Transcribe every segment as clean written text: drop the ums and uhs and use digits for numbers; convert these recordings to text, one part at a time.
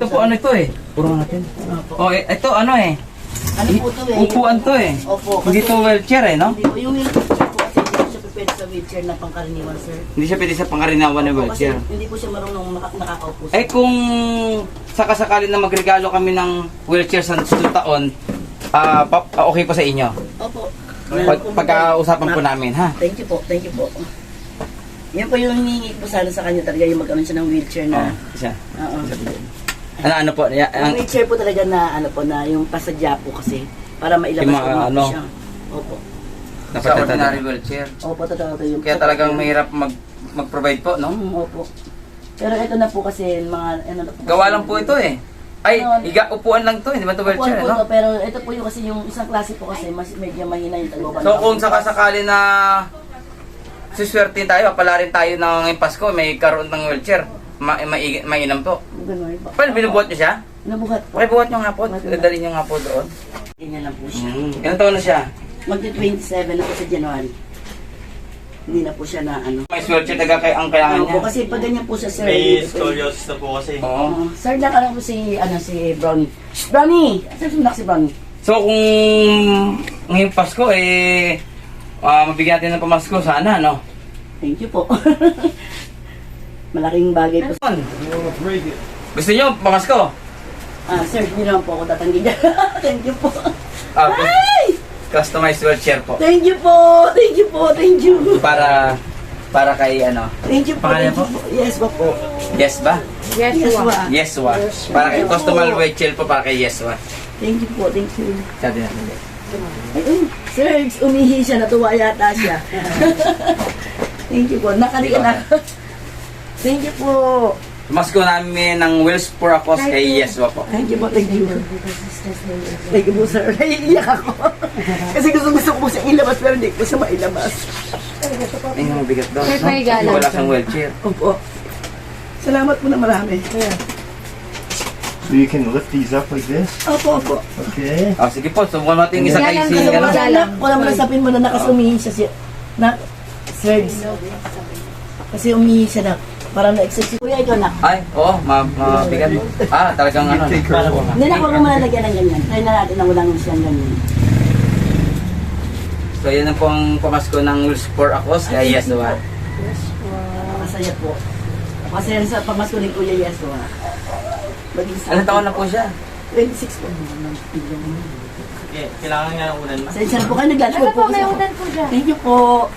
po ano ito eh. Puro natin. Oh, ito ano eh. Ano po ito eh? Upuan to eh. Opo. Hindi to wheelchair eh, no? Hindi po. Yung wheelchair po kasi hindi po siya pwede sa wheelchair na pangkaraniwan, sir. Hindi siya pwede sa pangarinawan ng Opo, wheelchair. Kasi hindi po siya marunong nakakaupo. Eh kung sakasakali na magregalo kami ng wheelchair sa susunod taon, okay po sa inyo. Opo. Pagkausapan po namin, ha? Thank you po. Thank you po. Yan po yung hinihingi po sana sa kanya talaga yung magkaroon siya ng wheelchair na. Isa. Oo. Ano po? Yung wheelchair po talaga na ano po na yung pasadya po kasi para mailabas Yung mga po ano? siya. Opo. Sa ordinary wheelchair. Opo, totoo to yung. Kaya talagang mahirap mag-provide po, no? Opo. Pero ito na po kasi mga ano na po. Gawa lang po ito eh. Ay, upuan lang to, hindi ba ito wheelchair, Upuan po no? to, pero ito po yung kasi yung isang klase po kasi mas medyo mahina yung tagwaban. So kung sakasakali na suswerte tayo, palarin tayo ng ngayong Pasko, may karoon ng wheelchair, mainam po. Ganun po. Paano, binubuhat niyo siya? Nabuhat po. Pakibuhat niyo nga po, dali niyo nga po doon. Ganyan lang po siya. Ilang taon na siya? Magti-27 na po sa January. Hindi na po siya na ano. May wheelchair talaga ang kailangan Ano niya. po kasi pag ganyan po siya, sir. May scoliosis na po kasi. Oo. Sir, nakala po si Brownie. Brownie! Sir, sunak si Brownie. So kung ngayong Pasko mabigyan natin ng pamasko sana, no? Thank you po. Malaking bagay po. Gusto niyo pamasko? Sir, hindi naman po ako tatanggi dyan. Thank you po. Ay! Customized wheelchair po. Thank you po. Thank you po. Thank you. Para kay ano? Thank you po. Pangalan Thank you po. Yes po po. Yes ba? Yes po. Yeswa. Para kay customized wheelchair po para kay Yeswa. Thank you po. Thank you. Sabi natin. Ayun. Sir, umihi siya. Natuwa yata siya. Thank you po. Nakalian na. Thank you po. Pamasko namin ng Wheels for a Cause kay Yeswa po. Thank you po. Thank you. Thank you po, sir. Naiiyak ako. Kasi gusto ko po siya ilabas pero hindi ko siya mailabas. Ay, mabigat daw. Sir, may No? galang Wala siya. siyang wheelchair. Opo. Salamat po na marami. So you can lift these up like this? Opo, opo. Okay. Sige po, subukan natin isa kay Galang si... ka, Ano? subukan. Anak, wala mo nasapin mo na nakasumihin siya siya. Na, sir. Kasi umihi siya na. Parang na-exercise. Kuya, ikaw na. Ay, oo, mabigat. Talagang ano. Hindi na, huwag mo malalagyan ng ganyan. Try na natin na walang siyang ganyan. So, yan na po ang pamasko ng Wheels for a Cause kay Yeswa. Masaya po. Masaya sa pamasko ni Kuya Yeso. Ilang taon na po siya? 26 po. Okay, kailangan nga ng unan. Pasensya na po kayo, nag-lunch Ano po po, kasi may ako. unan po dyan. Thank you po.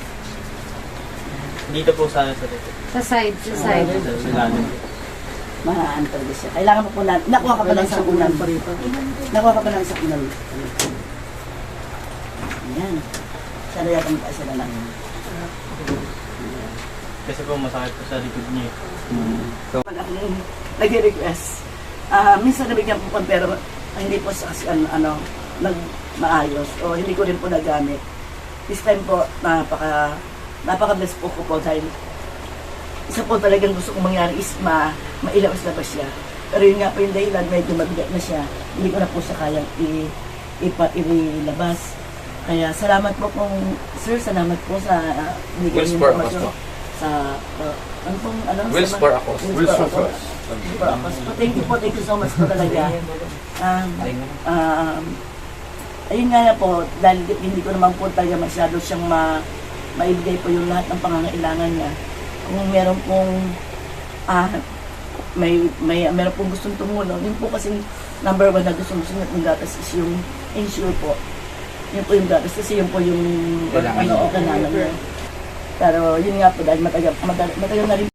Dito po sana sa dito. Sa side, sa side. Sa ilalim. Mahaan talaga siya. Kailangan mo po na, nakuha ka pa lang sa unan. Nakuha ka pa lang sa unan. Ayan. Sana yata mo tayo sila lang. Kasi po masakit po sa likod niya. Pag ako nag-request, minsan nabigyan po po pero hindi po sa maayos o hindi ko rin po nagamit. This time po, napaka-bless po ko po dahil isa po talagang gusto kong mangyari is mailabas na ba siya. Pero yun nga po yung dahilan, medyo mabigat na siya. Hindi ko na po siya kayang ilabas. Kaya salamat po kung, sir, salamat po sa Wheels for a Cause po. Sa, ano pong, ano? Wheels for a Cause. Wheels for a Cause. Thank you po, thank you so much po talaga. Ayun nga po, dahil hindi ko naman po talaga masyado siyang maibigay po yung lahat ng pangangailangan niya. Kung meron pong meron pong gustong tumulong, yun po kasi number 1 na gustong niya ng gatas is yung insure po. Yun po yung gatas kasi yun po yung Kailangan kailangan niya. Pero yun nga po dahil matagal na rin